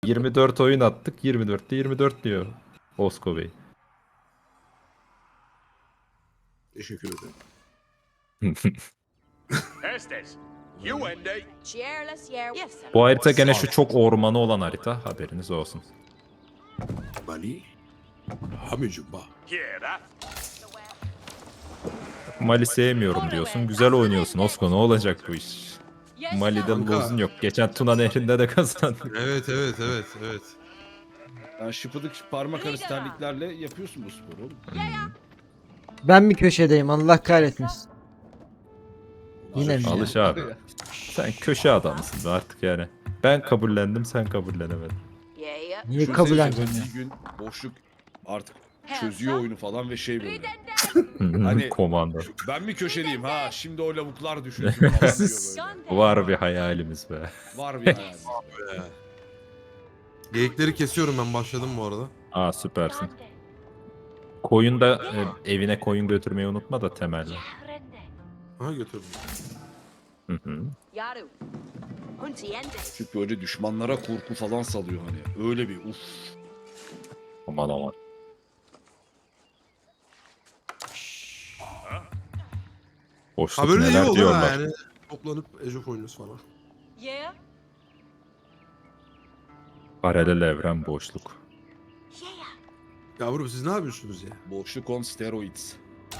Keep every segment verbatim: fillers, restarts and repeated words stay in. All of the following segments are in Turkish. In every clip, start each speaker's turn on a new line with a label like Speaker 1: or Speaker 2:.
Speaker 1: yirmi dört oyun attık. yirmi dörtte yirmi dört diyor Osko Bey.
Speaker 2: Teşekkür ederim.
Speaker 3: Estes, you end it.
Speaker 4: Cheerless, yeah. Yes.
Speaker 1: Bu harita gene şu çok ormanı olan harita. Haberiniz olsun.
Speaker 2: Bali. Hamicumba.
Speaker 3: Yeah, that.
Speaker 1: Mali sevmiyorum diyorsun. Güzel oynuyorsun Osko, ne olacak bu iş? Mali'de
Speaker 2: Kanka.
Speaker 1: lozun yok. Geçen Tuna Nehri'nde de kazandık.
Speaker 2: Evet evet evet evet.
Speaker 5: Yani şıpıdık parmak arası terliklerle yapıyorsun bu sporu oğlum.
Speaker 6: Ben bir köşedeyim, Allah kahretmesin. Yine mi? ya?
Speaker 1: Alış abi. Sen köşe adamısın da artık yani. Ben kabullendim, sen kabullenemedin.
Speaker 4: Yeah, yeah.
Speaker 6: Niye
Speaker 5: Şu
Speaker 6: kabul
Speaker 5: sene
Speaker 6: edeceğim ya?
Speaker 5: Bir gün boşluk artık çözüyor oyunu falan ve şey böyle.
Speaker 1: Hani...
Speaker 5: Hani-
Speaker 1: Komando.
Speaker 5: Ben mi köşeliyim ha şimdi o lavuklar düşünsün falan diyor böyle.
Speaker 1: Var bir hayalimiz be.
Speaker 5: Var bir hayal.
Speaker 2: Be. Geyikleri kesiyorum, ben başladım bu arada.
Speaker 1: Aa, süpersin. Koyun da e, evine koyun götürmeyi unutma da temelde.
Speaker 2: Ha, götürdüm.
Speaker 1: Hı hı.
Speaker 4: Yaru. Hunty ended.
Speaker 5: Çünkü böyle düşmanlara korku falan salıyor hani. Öyle bir uf.
Speaker 1: Aman aman. Boşluk
Speaker 2: Ha, böyle iyi
Speaker 1: neler
Speaker 2: oldu ha
Speaker 1: diyorlar.
Speaker 2: yani. Toplanıp Age of oynuyoruz falan.
Speaker 4: Yeah.
Speaker 1: Paralel evren boşluk.
Speaker 4: Yeah.
Speaker 2: Yavrum siz ne yapıyorsunuz ya?
Speaker 5: Boşluk on steroids.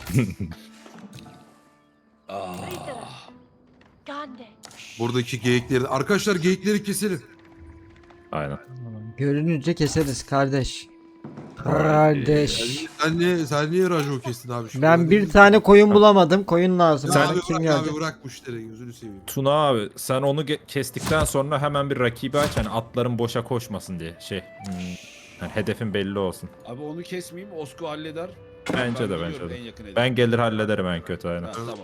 Speaker 5: Ah.
Speaker 4: Gandhi.
Speaker 2: Buradaki geyikleri... Arkadaşlar geyikleri keselim.
Speaker 1: Aynen.
Speaker 6: Görününce keseriz kardeş. Kardeş.
Speaker 2: Sen niye, sen niye rajo kestin abi? Şu
Speaker 6: Ben
Speaker 2: anda?
Speaker 6: bir tane koyun bulamadım. Koyun lazım.
Speaker 2: Sen
Speaker 6: Bana
Speaker 2: abi
Speaker 6: kim
Speaker 2: bırak
Speaker 6: gelecek?
Speaker 2: abi, bırak bu işleri, gözünü seveyim.
Speaker 1: Tuna abi sen onu ge- kestikten sonra hemen bir rakibi aç, hani atların boşa koşmasın diye şey. Hmm, yani hedefin belli olsun.
Speaker 5: Abi onu kesmeyeyim Osko halleder.
Speaker 1: Bence
Speaker 5: Ben
Speaker 1: de
Speaker 5: biliyorum
Speaker 1: bence
Speaker 5: en
Speaker 1: de.
Speaker 5: yakın hedef.
Speaker 1: Ben gelir hallederim en kötü aynen.
Speaker 5: Ha, tamam.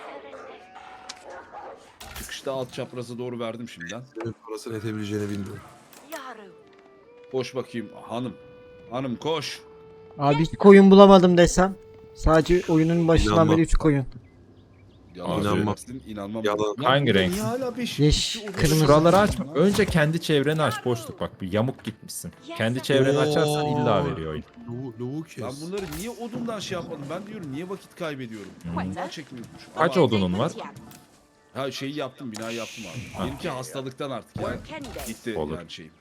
Speaker 5: Çıkışta alt çapraza doğru verdim şimdiden.
Speaker 2: Senin parasını etebileceğini bilmiyorum.
Speaker 4: Yaru.
Speaker 5: Koş bakayım hanım. Hanım koş.
Speaker 6: Abi hiç koyun bulamadım desem. Sadece oyunun başından
Speaker 2: İnanmam.
Speaker 6: beri üç koyun.
Speaker 5: Yalan
Speaker 1: İnanmam.
Speaker 5: söylemesin, inanmam.
Speaker 2: Yalan.
Speaker 5: Lan
Speaker 1: Hangi
Speaker 5: burada
Speaker 1: renk?
Speaker 5: Niye hala beş?
Speaker 6: Yeş,
Speaker 5: iki oda-
Speaker 6: kırmızı.
Speaker 1: Şuraları açma. Önce kendi çevreni aç, boşluk bak, bir yamuk gitmişsin. Kendi çevreni açarsan illa veriyor oyun.
Speaker 2: Lavu, lavu kes.
Speaker 5: Ben bunları niye odundan şey yapmadım? Ben diyorum niye vakit kaybediyorum? Bundan çekmiyormuşum.
Speaker 1: Kaç
Speaker 5: Ama-
Speaker 1: odunun var?
Speaker 5: Ha şeyi yaptım, binayı yaptım abi. Benimki hastalıktan artık yani.
Speaker 4: Work ended.
Speaker 5: Gitti
Speaker 1: Olur.
Speaker 5: yani şeyim.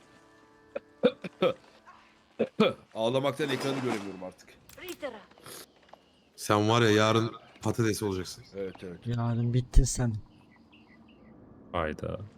Speaker 5: Ağlamaktan ekranı göremiyorum artık.
Speaker 4: Ritera.
Speaker 2: Sen var ya yarın patates olacaksın.
Speaker 5: Evet evet.
Speaker 6: Yarın bittin sen.
Speaker 1: Hayda.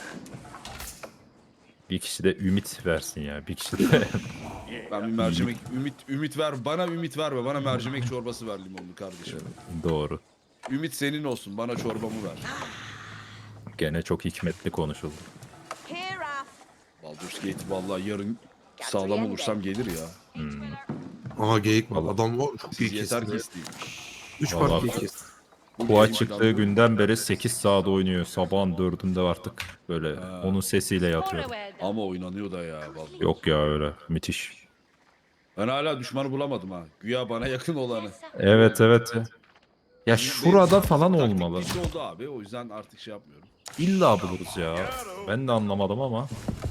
Speaker 1: Bir kişi de ümit versin ya. Bir kişi de
Speaker 5: Ben bir mercimek, ümit ümit ver. Bana ümit verme. Bana mercimek çorbası ver limonlu kardeşim.
Speaker 1: doğru.
Speaker 5: Ümit senin olsun. Bana çorbamı ver.
Speaker 1: Gene çok hikmetli konuşuldu.
Speaker 4: Here off.
Speaker 5: Baldur's Gate vallahi yarın sağlam olursam gelir ya.
Speaker 2: Aha geyik var.
Speaker 1: Vallahi.
Speaker 2: Adam var, çok iyi
Speaker 5: Siz yeter ki
Speaker 2: kesti.
Speaker 5: isteyeyim.
Speaker 2: Üç
Speaker 1: Vallahi.
Speaker 2: part geyik kesti.
Speaker 1: Koa çıktığı günden beri sekiz saat oynuyor. Sabahın dördünde artık böyle onun sesiyle yatıyor.
Speaker 5: Ama oynanıyor da ya vallahi.
Speaker 1: Yok ya, öyle müthiş.
Speaker 5: Ben hala düşmanı bulamadım ha. Güya bana yakın olanı.
Speaker 1: Evet evet. Ya, ya şurada falan
Speaker 5: Taktik
Speaker 1: olmalı.
Speaker 5: bir şey oldu abi. O yüzden artık şey yapmıyorum.
Speaker 1: İlla buluruz ya. Ben de anlamadım ama.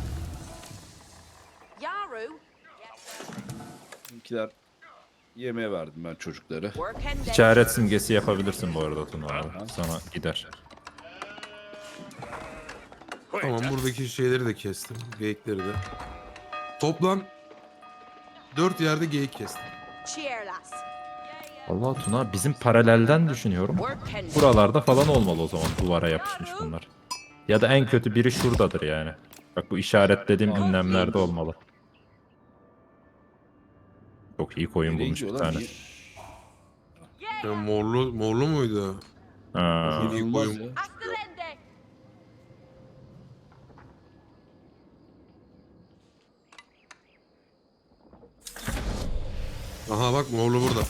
Speaker 4: Yaru.
Speaker 5: Bizimkiler yemeğe verdim ben çocukları.
Speaker 4: Work ended.
Speaker 1: İşaret simgesi yapabilirsin bu arada Tuna abi. Sana gider.
Speaker 2: Tamam, buradaki şeyleri de kestim. Geyikleri de. Toplam dört yerde geyik kestim.
Speaker 4: Cheerless.
Speaker 1: Allah Tuna, bizim paralelden düşünüyorum.
Speaker 4: Work ended.
Speaker 1: Buralarda falan olmalı o zaman, duvara yapışmış bunlar. Ya da en kötü biri şuradadır yani. Bak bu işaretlediğim ünlemlerde olmalı. Çok iyi koyun
Speaker 5: Nereye
Speaker 1: bulmuş bir
Speaker 5: gidiyorlar?
Speaker 1: tane.
Speaker 5: Niye-
Speaker 2: Ya morlu, morlu muydu?
Speaker 1: Ha.
Speaker 2: İyi
Speaker 5: İnanılmaz
Speaker 2: koyun.
Speaker 5: ya.
Speaker 4: After ended.
Speaker 2: Aha bak, morlu burada.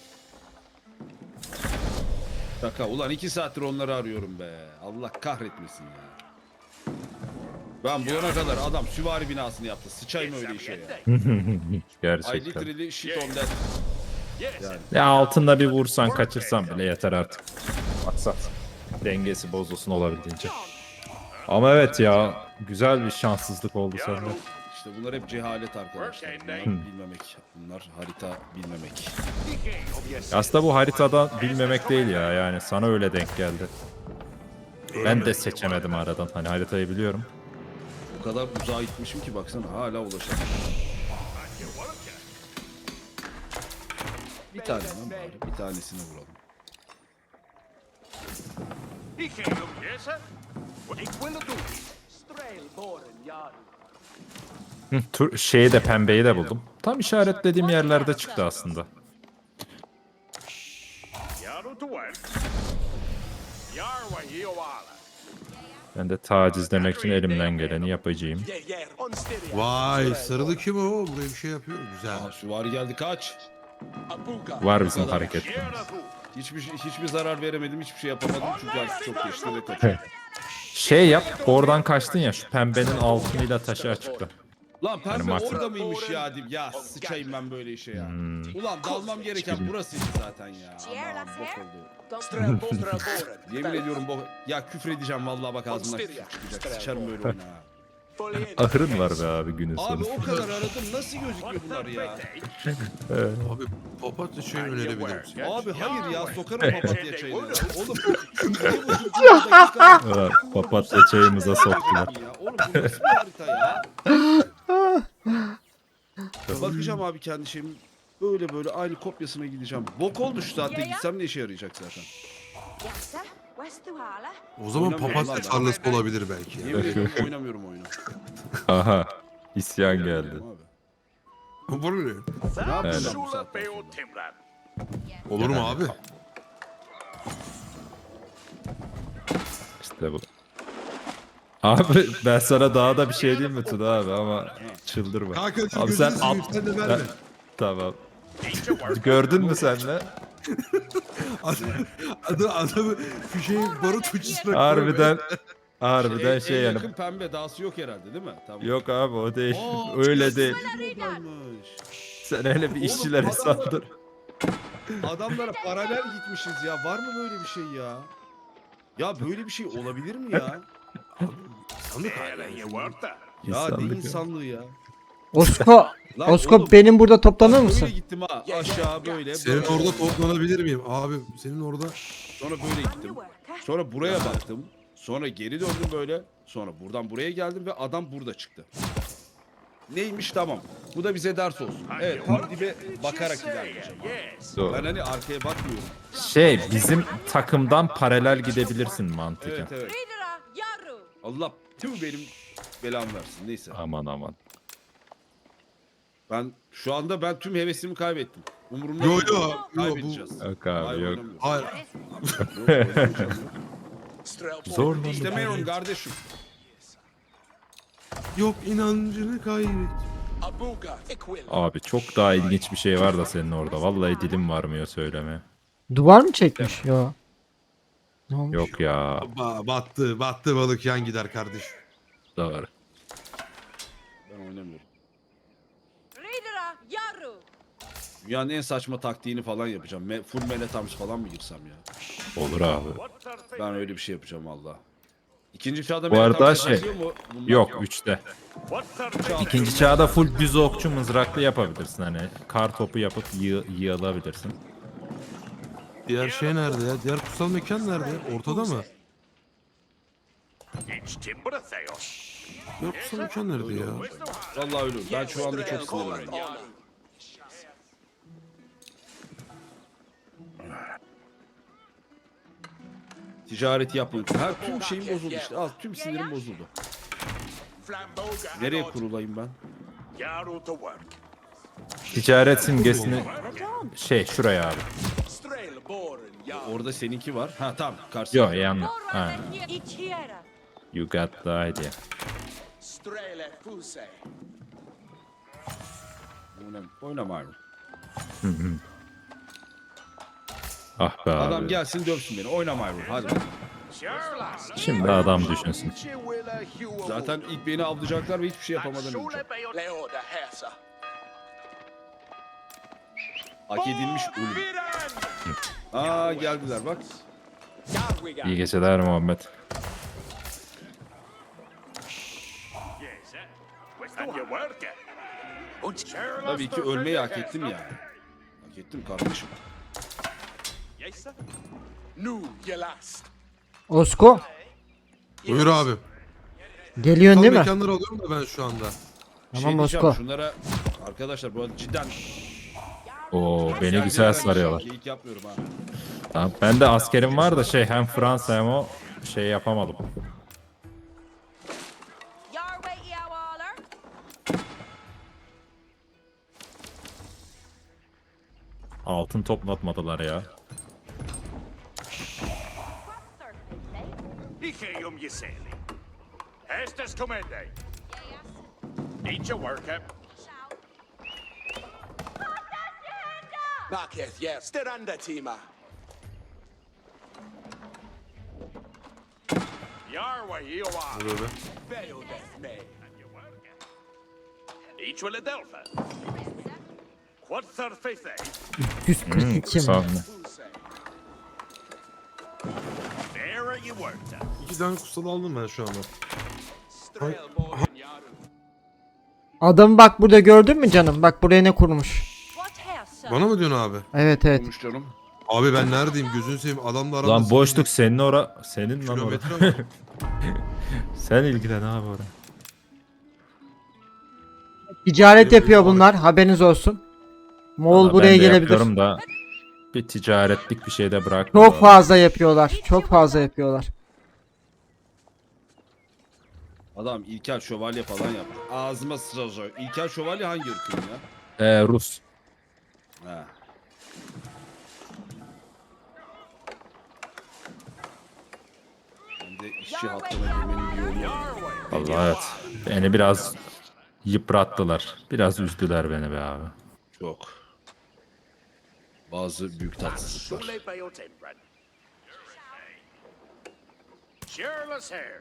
Speaker 5: Şaka. Ulan iki saattir onları arıyorum be. Allah kahretmesin ya. Ben bulana kadar adam süvari binasını yaptı. Sıçayım öyle işe ya. I
Speaker 1: Gerçekten.
Speaker 5: literally shit on that. Yani.
Speaker 1: Ya altında bir vursan kaçırsan bile yeter artık. Maksat dengesi bozulsun olabildiğince. Ama evet ya, güzel bir şanssızlık oldu sende.
Speaker 5: İşte bunlar hep cehalet arkadaşlar. Bunlar bilmemek. Bunlar harita bilmemek.
Speaker 1: Aslında bu haritada bilmemek değil ya. Yani sana öyle denk geldi. Ben de seçemedim aradan. Hani haritayı biliyorum.
Speaker 5: O kadar uzağa gitmişim ki baksana hala ulaşamadım. Bir tane lan bari. Bir tanesine vuralım.
Speaker 3: He can't look, yes, sir. What he will do?
Speaker 1: Hı, tur, şeyi de pembeyi de buldum. Tam işaretlediğim yerlerde çıktı aslında.
Speaker 3: Yaru to work. Yarwa Yoala.
Speaker 1: Ben de tacizlemek için elimden geleni yapacağım.
Speaker 2: Vay sarılı kim o? Buraya bir şey yapıyor. Güzel.
Speaker 5: Aa, süvari geldi kaç.
Speaker 1: Var bizim hareketlerimiz.
Speaker 3: Yarahu.
Speaker 5: Hiçbir şey- hiçbir zarar veremedim, hiçbir şey yapamadım çünkü artık çok geçti ve kaçıyor.
Speaker 1: Şey yap, oradan kaçtın ya, şu pembenin altınıyla taşı açıkla.
Speaker 5: Lan pembe
Speaker 1: Yani mak-
Speaker 5: orada mıymış ya diyeyim. Ya sıçayım ben böyle işe ya.
Speaker 1: Hmm.
Speaker 5: Ulan dalmam gereken burasıydı zaten ya. Aman bok oldu. Yemin ediyorum bok. Ya küfür edeceğim vallahi bak ağzımdan küfür çıkacak. Sıçarım böyle oyuna ha.
Speaker 1: Ahırın var be abi günün
Speaker 5: Abi
Speaker 1: sonu.
Speaker 5: o kadar aradım nasıl gözüküyor bunlar ya?
Speaker 2: Abi papatya çayı önerebilir misin?
Speaker 5: Abi hayır ya sokarım papatya çayını. Oğlum iki buçuk dakika.
Speaker 1: Evet, papatya çayımıza soktular.
Speaker 5: Ya oğlum bu nasıl bir harita ya? Bakacağım abi kendi şeyim. Böyle böyle aynı kopyasına gideceğim. Bok oldu şu saatte gitsem ne işe yarayacak zaten.
Speaker 4: Yes, sir. West Tuhala.
Speaker 2: O zaman
Speaker 5: Oynamıyorum
Speaker 2: papatya
Speaker 5: lan.
Speaker 2: tarlası olabilir belki.
Speaker 5: Yemin ediyorum oynamıyorum oyunu.
Speaker 1: Aha, isyan geldi.
Speaker 5: Oynamıyorum abi.
Speaker 2: Olur mu?
Speaker 5: Ne yapacağım bu
Speaker 3: Shula
Speaker 5: saatten
Speaker 3: Beo
Speaker 5: sonra?
Speaker 3: Timran.
Speaker 2: Olur mu abi?
Speaker 1: İşte bu. Abi ben sana daha da bir şey diyeyim mi Tuna abi ama çıldırma.
Speaker 2: Kanka dur,
Speaker 1: Abi sen
Speaker 2: gözünü
Speaker 1: at.
Speaker 2: seveyim, sen de verme.
Speaker 1: Ben- Tamam. Gördün mü sen de?
Speaker 2: Adam, adam, adamı fişeği barut ucusuna
Speaker 1: Harbiden harbiden şey
Speaker 5: en
Speaker 1: yani.
Speaker 5: yakın pembe dahası yok herhalde değil mi? Tamam.
Speaker 1: Yok abi o değil.
Speaker 5: Aa,
Speaker 1: Öyle değil.
Speaker 5: buradaymış.
Speaker 1: Sen öyle bir işçilere
Speaker 5: adamlar-
Speaker 1: sandır.
Speaker 5: Adamlara paralel gitmişiz ya. Var mı böyle bir şey ya? Ya böyle bir şey olabilir mi ya?
Speaker 2: Sandık
Speaker 3: Helen, you worked that.
Speaker 5: Ya ne
Speaker 1: İnsanlık yok.
Speaker 5: insanlığı ya?
Speaker 6: Osko,
Speaker 5: Lan
Speaker 6: Osko
Speaker 5: oğlum,
Speaker 6: benim burada toplanır
Speaker 5: bak
Speaker 6: mısın?
Speaker 5: Böyle gittim ha aşağı böyle.
Speaker 2: Senin
Speaker 5: böyle.
Speaker 2: orada toplanabilir miyim? Abi senin orada
Speaker 5: Sonra böyle gittim. Sonra buraya baktım. Sonra geri döndüm böyle. Sonra buradan buraya geldim ve adam burada çıktı. Neymiş tamam. Bu da bize ders olsun. Evet tam dibe bakarak ilerleyeceğim.
Speaker 3: Yes.
Speaker 1: Doğru.
Speaker 5: Ben hani arkaya bakmıyorum.
Speaker 1: Şey bizim takımdan paralel gidebilirsin mantıken.
Speaker 5: Evet evet.
Speaker 4: Ridera Yaru.
Speaker 5: Allah tüm benim belam versin. Neyse.
Speaker 1: Aman aman.
Speaker 5: Ben şu anda ben tüm hevesimi kaybettim. Umurumda
Speaker 2: Yo,
Speaker 5: değil.
Speaker 2: yo, yo, bu-
Speaker 5: Kaybedeceğiz.
Speaker 1: Yok abi,
Speaker 5: Hayır,
Speaker 1: yok.
Speaker 5: oynamıyorum.
Speaker 2: hayır.
Speaker 5: Yok, oynamayacağım yok.
Speaker 1: Zorla.
Speaker 5: İstemiyorum kardeşim.
Speaker 2: Yok inancını kaybet.
Speaker 1: Abi çok daha ilginç bir şey var da senin orada. Vallahi dilim varmıyor söylemeye.
Speaker 6: Duvar mı çekmiş? Yo. Ne olmuş?
Speaker 1: Yok ya.
Speaker 2: Ba battı, battı balık yan gider kardeş.
Speaker 1: Doğru.
Speaker 5: Ben oynamıyorum.
Speaker 4: Ridera Yaru.
Speaker 5: Dünyanın en saçma taktiğini falan yapacağım. Me full Mellet Arms falan mı girsem ya?
Speaker 1: Olur abi.
Speaker 3: What's our thing?
Speaker 5: Ben öyle bir şey yapacağım valla. İkinci çağda
Speaker 1: Bu
Speaker 5: Mellet
Speaker 1: arada
Speaker 5: Arms
Speaker 1: şey-
Speaker 5: yapıyor mu? Bunlar
Speaker 1: Yok üçte.
Speaker 3: What's our thing?
Speaker 1: İkinci çağda full düz okçu mızraklı yapabilirsin hani. Kar topu yapıp yığ yığılabilirsin.
Speaker 2: Diğer şey nerede ya? Diğer kutsal mekan nerede? Ortada mı?
Speaker 3: It's Timber Theos.
Speaker 2: Diğer kutsal mekan nerede ya?
Speaker 5: Vallahi öyle. Ben şu anda çok sinirliyim. Ticareti yapmak. Her tüm şeyim bozuldu işte. Al tüm sinirim bozuldu.
Speaker 3: Flamboga.
Speaker 5: Nereye kurulayım ben?
Speaker 3: Yaru to work.
Speaker 1: Ticaret simgesini şey şuraya abi.
Speaker 5: Orada seninki var. Ha tamam. Karşı.
Speaker 1: Yok yanına. Ha,
Speaker 4: Morra Ichiera.
Speaker 1: you got the idea.
Speaker 5: Oynama, oynama abi.
Speaker 1: Ah be abi.
Speaker 5: Adam gelsin dövsün beni. Oynama abi. Hadi.
Speaker 3: Sure, lass.
Speaker 1: Şimdi adam düşünsün.
Speaker 5: Zaten ilk beni avlayacaklar ve hiçbir şey yapamadan önce.
Speaker 3: Shula Beo
Speaker 5: Hak edilmiş ölüm.
Speaker 3: Viran.
Speaker 5: Aa geldiler bak.
Speaker 1: İyi geceler Muhammed.
Speaker 3: Yes, eh? What's And you work it.
Speaker 5: Tabii ki ölmeyi hak ettim yani. Hak ettim kardeşim.
Speaker 3: Yes, sir. No, you last.
Speaker 6: Osko
Speaker 2: Buyur abi.
Speaker 6: geliyorsun
Speaker 2: Tam
Speaker 6: değil mi?
Speaker 2: mekanları alıyorum da ben şu anda.
Speaker 5: Bir
Speaker 6: Tamam
Speaker 5: şey diyeceğim,
Speaker 6: Osko.
Speaker 5: şunlara arkadaşlar bu arada cidden
Speaker 1: Oo beni
Speaker 5: Yani
Speaker 1: güzel
Speaker 5: ben
Speaker 1: sarıyorlar.
Speaker 5: Geyik yapmıyorum ha.
Speaker 1: Tamam. Ben de askerim var da şey hem Fransa hem o şey yapamadım.
Speaker 4: Your way, Eowaller.
Speaker 1: Altın toplatmadılar ya.
Speaker 3: Ikeum Yiseli. Estes Comende. Need your work it.
Speaker 7: Marketh, yes. Steranda Tima.
Speaker 3: Your way, Eowa.
Speaker 2: Böyle.
Speaker 7: Veo death me.
Speaker 3: And you work it. Each will Adelpha. Quad thirty-fifth.
Speaker 6: yüz kırk iki mi?
Speaker 1: Sağ olun.
Speaker 3: There you worked it.
Speaker 2: İki tane kutsal aldım ben şu anda.
Speaker 7: Strail Morgan Yaru.
Speaker 6: Adamı bak burada gördün mü canım? Bak buraya ne kurmuş.
Speaker 4: What hair, sir?
Speaker 2: Bana mı diyorsun abi?
Speaker 6: Evet evet.
Speaker 5: Olmuş canım.
Speaker 2: Abi ben neredeyim? Gözünü seveyim. Adamla aramda...
Speaker 1: Lan boşluk senin ora senin lan ora.
Speaker 2: Kilometre var.
Speaker 1: Sen ilgilen abi ora.
Speaker 6: Ticaret yapıyor bunlar. Haberiniz olsun. Moğol
Speaker 1: Valla
Speaker 6: buraya
Speaker 1: ben de
Speaker 6: gelebilir.
Speaker 1: yapıyorum da bir ticaretlik bir şey de bırakmıyor.
Speaker 6: Çok fazla yapıyorlar. Çok fazla yapıyorlar.
Speaker 5: Adam İlkel Şövalye falan yaptı. Ağzıma sıçrayacak. İlkel Şövalye hangi ırkın ya?
Speaker 1: Ee, Rus.
Speaker 5: Ha. Ben de işçi hattına girmenin bir yolu var.
Speaker 1: Allah evet. Beni biraz yıprattılar. Biraz üzdüler beni be abi.
Speaker 5: Çok. Bazı büyük tatsızlıklar.
Speaker 3: Surely by your timbrand. Cheerless hair.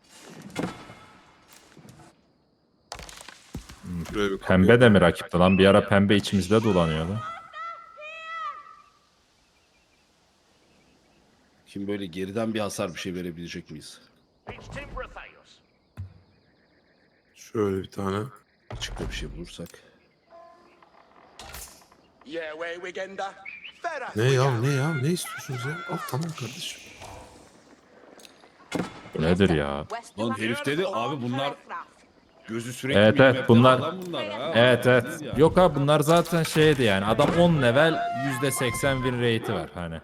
Speaker 2: Şuraya bir
Speaker 1: Pembe de mi rakipti lan? Bir ara pembe içimizde dolanıyordu.
Speaker 5: Kim böyle geriden bir hasar bir şey verebilecek miyiz?
Speaker 3: Each timber Theos.
Speaker 2: Şöyle bir tane.
Speaker 5: Açıkta bir şey bulursak.
Speaker 7: Yeah, way Wigenda. Ferrat.
Speaker 2: Ne ya ne ya? Ne istiyorsunuz ya? Al tamam kardeşim.
Speaker 1: Bu nedir ya?
Speaker 5: Lan herif dedi abi bunlar gözü sürekli
Speaker 1: Evet, evet,
Speaker 5: minimap'te
Speaker 1: bunlar-
Speaker 5: falan bunlar ha.
Speaker 1: Evet evet.
Speaker 5: Değil yani.
Speaker 1: Yok abi bunlar zaten şeydi yani. Adam on level yüzde seksen win rate'i var hani.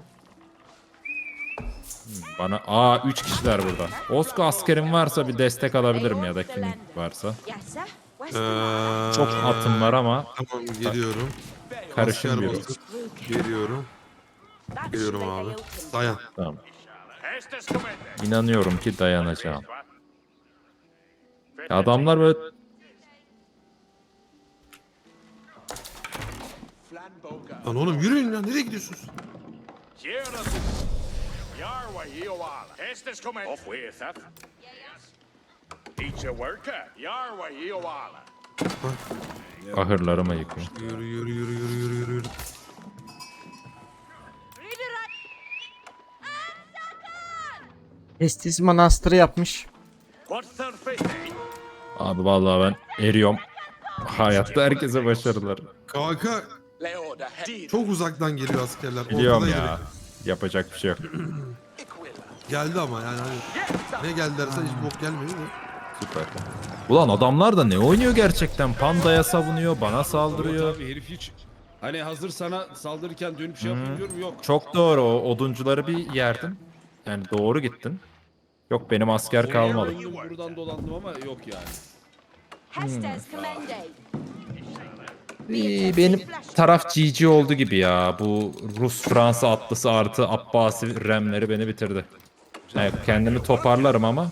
Speaker 1: Hmm, Bana aa üç kişiler burada. Osko askerim varsa bir destek alabilirim ya da kim varsa.
Speaker 4: Yes, sir. West
Speaker 2: Ee,
Speaker 1: Çok atım var ama
Speaker 2: Tamam geliyorum.
Speaker 1: karışamıyorum.
Speaker 2: Asker basıp Geliyorum. Geliyorum abi. Dayan.
Speaker 1: Tamam.
Speaker 3: Estes Comende.
Speaker 1: İnanıyorum ki dayanacağım. Ya adamlar böyle
Speaker 7: Flanboga.
Speaker 2: Lan oğlum yürüyün lan. Nereye gidiyorsunuz?
Speaker 3: Cheerless. Your way, Eowa. Estes Comende. Off with that. Each a worker. Your way, Eowa.
Speaker 1: ahırlarıma yıkıyor.
Speaker 2: Yürü yürü yürü yürü yürü yürü. yürü.
Speaker 4: Redirect.
Speaker 6: Estis manastırı yapmış.
Speaker 3: Quad thirty-fifth.
Speaker 1: Abi vallahi ben eriyorum. Hayatta herkese başarılar.
Speaker 2: Kanka
Speaker 7: Leoda. Deed.
Speaker 2: çok uzaktan geliyor askerler.
Speaker 1: Biliyorum
Speaker 2: Ortada
Speaker 1: ya.
Speaker 2: direkt.
Speaker 1: Yapacak bir şey yok.
Speaker 7: Iquilla.
Speaker 2: Geldi ama yani hani ne geldilerse hiç bok gelmedi de.
Speaker 1: Süper. Ulan adamlar da ne oynuyor gerçekten? Pandaya savunuyor, bana saldırıyor.
Speaker 5: Abi herif hiç hani hazır sana saldırırken dönüp şey yapayım diyorum yok.
Speaker 1: Çok doğru o oduncuları bir yerdim. Yani doğru gittin. Yok benim asker kalmadı.
Speaker 5: Döndüm, buradan dolandım ama yok yani.
Speaker 4: Hestes Comende.
Speaker 1: İyi, benim taraf G G oldu gibi ya. Bu Rus-Fransa atlısı artı Abbasi remleri beni bitirdi. Evet, kendimi toparlarım ama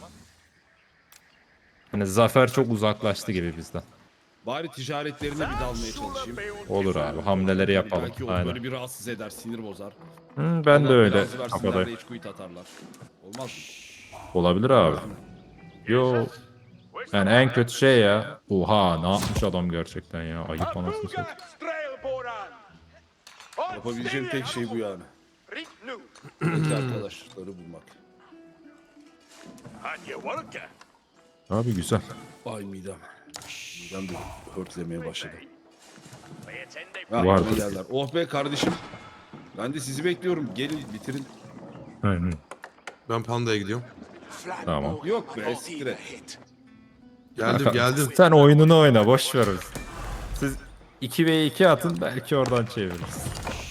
Speaker 1: hani zafer çok uzaklaştı gibi bizden.
Speaker 5: Bari ticaretlerine bir dalmaya çalışayım.
Speaker 1: Olur abi hamleleri yapalım.
Speaker 5: Belki o
Speaker 1: Aynen.
Speaker 5: böyle bir rahatsız eder, sinir bozar.
Speaker 1: Hı, ben de
Speaker 5: Onlar
Speaker 1: öyle
Speaker 5: biraz versinler de
Speaker 1: kafadayım.
Speaker 5: hiç quit atarlar. Olmaz mı?
Speaker 1: Olabilir abi. Yo. Yani en kötü şey ya. Oha ne yapmış adam gerçekten ya. Ayıp anasını satayım.
Speaker 3: Strailboran.
Speaker 5: Yapabileceğim tek şey bu yani.
Speaker 3: Ritnu.
Speaker 5: Peki arkadaşları bulmak.
Speaker 3: And you work it.
Speaker 1: Abi güzel.
Speaker 5: Ay midem. Buradan da hörtlemeye başladı.
Speaker 3: It's in the
Speaker 5: Ha,
Speaker 1: Vardır.
Speaker 5: aklıma geldiler. Oh be kardeşim. Ben de sizi bekliyorum. Gelin bitirin.
Speaker 1: Aynen.
Speaker 2: Ben pandaya gidiyorum.
Speaker 1: Tamam.
Speaker 5: Yok be siktir et.
Speaker 2: Geldim geldim.
Speaker 1: Sen oyununu oyna, boş ver. Siz iki ve iki atın, belki oradan çeviririz.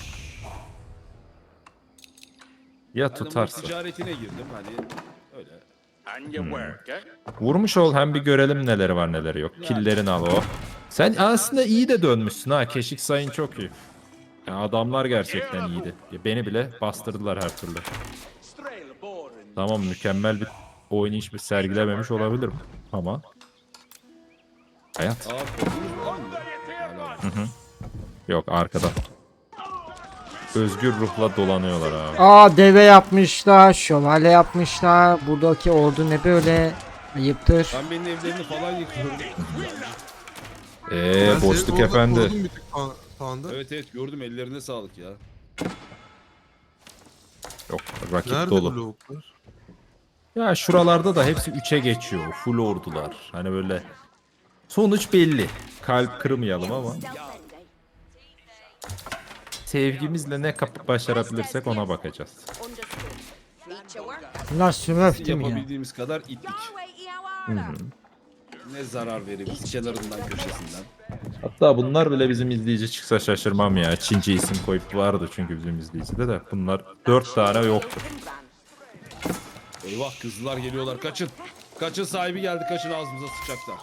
Speaker 1: Ya
Speaker 5: Ben de bu
Speaker 1: tutarsa.
Speaker 5: ticaretine girdim hani öyle.
Speaker 3: And you work, eh?
Speaker 1: Vurmuş ol, hem bir görelim neleri var neleri yok. Killerini al o. Sen aslında iyi de dönmüşsün ha. Keşik sayın çok iyi. Ya adamlar gerçekten iyiydi. Ya beni bile bastırdılar her türlü. Tamam, mükemmel bir oynayış bir sergilememiş olabilirim ama hayat.
Speaker 5: Aa korkunuz var mı? Hala.
Speaker 1: Yok, arkada. Özgür ruhla dolanıyorlar abi.
Speaker 6: Aa, deve yapmışlar, şövalye yapmışlar. Buradaki ordu ne böyle? Ayıptır.
Speaker 5: Ben benim evlerini falan yıkıyorum.
Speaker 1: Eee
Speaker 2: Ben seni
Speaker 1: boşluk
Speaker 2: orada
Speaker 1: efendi.
Speaker 2: korudum bir tık pa- panda.
Speaker 5: Evet evet gördüm ellerine sağlık ya.
Speaker 1: Yok, rakip
Speaker 2: Nerede
Speaker 1: dolu.
Speaker 2: bloklar?
Speaker 1: Ya şuralarda da hepsi üçe geçiyor. Full ordular. Hani böyle sonuç belli. Kalp kırmayalım ama sevgimizle ne kapıp başarabilirsek ona bakacağız.
Speaker 4: Understood. Meet your worker.
Speaker 6: Bunlar smurf değil mi ya?
Speaker 5: Yapabildiğimiz kadar ittik.
Speaker 4: Your way, your order.
Speaker 5: Ne zarar veririz kenarından köşesinden.
Speaker 1: Hatta bunlar bile bizim izleyici çıksa şaşırmam ya. Çince isim koyup vardı çünkü bizim izleyicide de. Bunlar dört tane yoktu.
Speaker 5: Eyvah kızlar geliyorlar kaçın. Kaçın sahibi geldi kaçın ağzımıza sıçacaklar.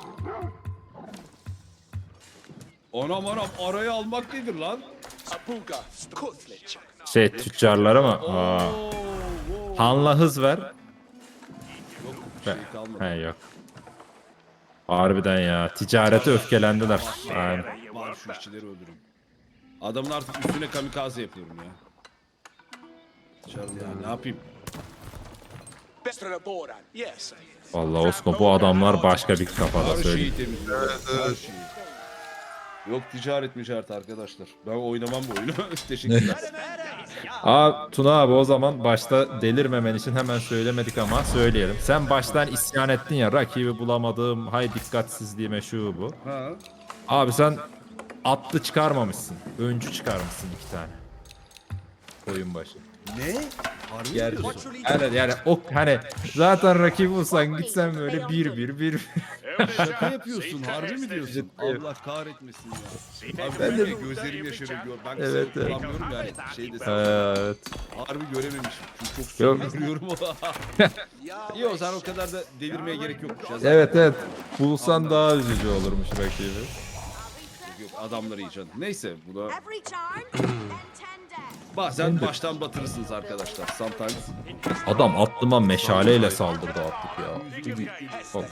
Speaker 5: Anam anam arayı almak nedir lan?
Speaker 7: Abuga, Kutlich.
Speaker 1: Şey, tüccarlara mı? Aa.
Speaker 5: Oo, oo.
Speaker 1: Hanla hız ver.
Speaker 5: Yok bir şey kalmadı.
Speaker 1: He yok. Harbiden ya. Ticarete öfkelendiler. Aynen.
Speaker 5: Var şu işçileri öldürün. Adamın artık üstüne kamikaze yapıyorum ya. Dışarıda ya ne yapayım?
Speaker 7: Bestra Boran. Yes.
Speaker 1: Vallahi Osko, bu adamlar başka bir kafada
Speaker 5: Her
Speaker 1: söyleyeyim.
Speaker 5: şeyi temizliyor. Her şeyi. Yok ticaret mücaret arkadaşlar. Ben oynamam bu oyunu. Teşekkürler.
Speaker 1: Aa Tuna abi, o zaman başta delirmemen için hemen söylemedik ama söyleyelim. Sen baştan isyan ettin ya, rakibi bulamadım, hay dikkatsizliğime şu bu.
Speaker 5: Ha.
Speaker 1: Abi sen atlı çıkarmamışsın. Öncü çıkarmışsın iki tane. Oyun başı.
Speaker 5: Ne? Harbi
Speaker 1: Ger
Speaker 5: mi diyorsun?
Speaker 1: evet, yani o hani zaten rakibi olsan gitsen böyle bir bir bir.
Speaker 5: Şaka yapıyorsun. Harbi mi diyorsun? Allah kahretmesin ya. Abi ben de gözlerim yaşarıyor. Gör. Ben kısa
Speaker 1: Evet, evet.
Speaker 5: kullanmıyorum yani. Şey desem.
Speaker 1: Evet.
Speaker 5: Harbi görememişim. Çünkü çok
Speaker 1: Yok.
Speaker 5: sorun görüyorum. Yok sen o kadar da delirmeye gerek yokmuş. Ya. Zaten
Speaker 1: Evet evet. Bulsan daha üzücü olurmuş rakibi.
Speaker 5: Yok, adamları iyi canım. Neyse bu da
Speaker 4: Every charm, then ten deaths.
Speaker 5: bazen baştan batırırsınız arkadaşlar. Sometimes.
Speaker 1: Adam atlıma meşaleyle saldırdı atlık ya. Bak.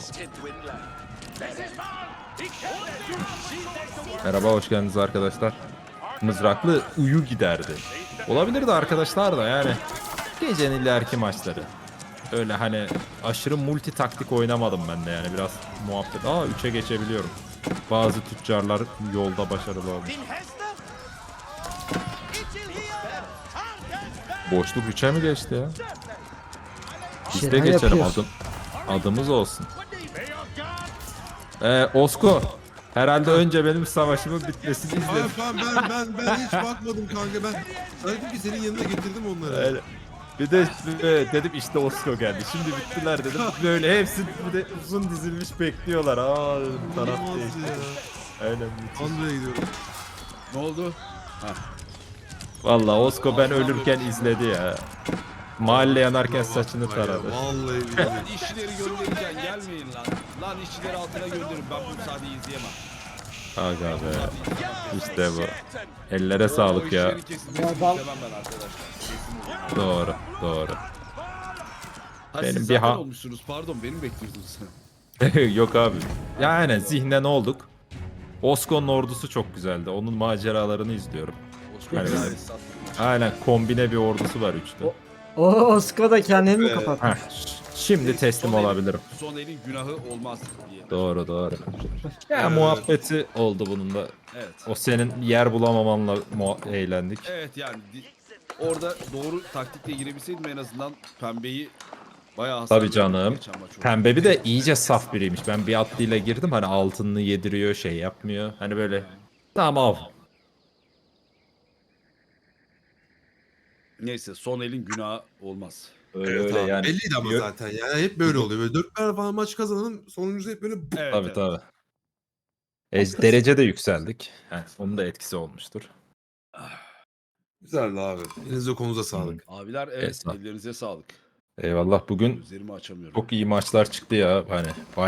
Speaker 1: Merhaba, hoş geldiniz arkadaşlar. Mızraklı uyu giderdi. Olabilirdi arkadaşlar da yani. Gecenin ileriki maçları. Öyle hani aşırı multi taktik oynamadım ben de yani, biraz muhabbet. Aa üçe geçebiliyorum. Bazı tüccarlar yolda başarılı olmuş. Boşluk üçe mi geçti ya? Biz de
Speaker 6: Şeyler
Speaker 1: geçelim,
Speaker 6: yapıyoruz.
Speaker 1: adım, adımız olsun. Ee, Osko, herhalde önce benim savaşımın bitmesini
Speaker 2: Abi
Speaker 1: izledim.
Speaker 2: ben, ben, ben, ben hiç bakmadım kanka. Ben dedim ki senin yanına getirdim onları.
Speaker 1: Öyle. Bir de e, dedim işte Osko geldi. Şimdi bittiler dedim. Böyle hepsi bir de uzun dizilmiş bekliyorlar. Aa dedim, taraf
Speaker 2: İnanılmaz
Speaker 1: değişti.
Speaker 2: ya.
Speaker 1: Aynen müthiş.
Speaker 2: Panda'ya gidiyorum.
Speaker 5: Ne oldu?
Speaker 1: Valla Osko ben ölürken izledi ya. Mahalle yanarken saçını taradı.
Speaker 2: Vallahi billahi.
Speaker 5: Lan işçileri gönderirken gelmeyin lan. Lan işçileri altına gönderin. Ben bu müsaadeyi izleyemem.
Speaker 1: Aga be. İşte bu. Ellere sağlık ya.
Speaker 5: O işçilerin kesilmesini istemem ben arkadaşlar. Kesin.
Speaker 1: Doğru, doğru.
Speaker 5: Ha,
Speaker 1: Benim
Speaker 5: siz
Speaker 1: bir
Speaker 5: zaten
Speaker 1: ha-
Speaker 5: olmuşsunuz. Pardon beni bekliyordunuz.
Speaker 1: Yok abi. Yani zihnen olduk. Osko'nun ordusu çok güzeldi. Onun maceralarını izliyorum.
Speaker 5: Yani,
Speaker 1: Yani- Aynen, kombine bir ordusu var üçte.
Speaker 6: O Osko da kendini mi kapatmış?
Speaker 1: Heh, ş- şimdi teslim olabilirim.
Speaker 5: Son elin günahı olmaz diye.
Speaker 1: Doğru doğru. Ya muhabbeti oldu bunun da.
Speaker 5: Evet.
Speaker 1: O senin yer bulamamanla muha- eğlendik.
Speaker 5: Evet yani di- orada doğru taktikle girebilseydim en azından pembeyi Bayağı hasar
Speaker 1: Tabii
Speaker 5: verdi
Speaker 1: canım.
Speaker 5: geçen maç oldu.
Speaker 1: Pembe bir de iyice saf biriymiş. Ben bir atlıyla girdim hani altınını yediriyor şey yapmıyor. Hani böyle tamam.
Speaker 5: Neyse son elin günahı olmaz.
Speaker 1: Öyle
Speaker 2: Evet
Speaker 1: öyle
Speaker 2: abi,
Speaker 1: yani.
Speaker 2: belliydi ama
Speaker 1: Yo-
Speaker 2: zaten yani hep böyle oluyor. Böyle dört tane falan maç kazanalım sonuncusu hep böyle
Speaker 5: Evet,
Speaker 1: Tabii
Speaker 5: evet.
Speaker 1: tabii. E, derece de yükseldik. Heh, onun da etkisi olmuştur.
Speaker 2: güzeldi abi. Elinize kolunuza sağlık.
Speaker 5: Abiler evet
Speaker 1: Esna.
Speaker 5: ellerinize sağlık.
Speaker 1: Eyvallah bugün
Speaker 5: Gözlerimi açamıyorum.
Speaker 1: çok iyi maçlar çıktı ya. Hani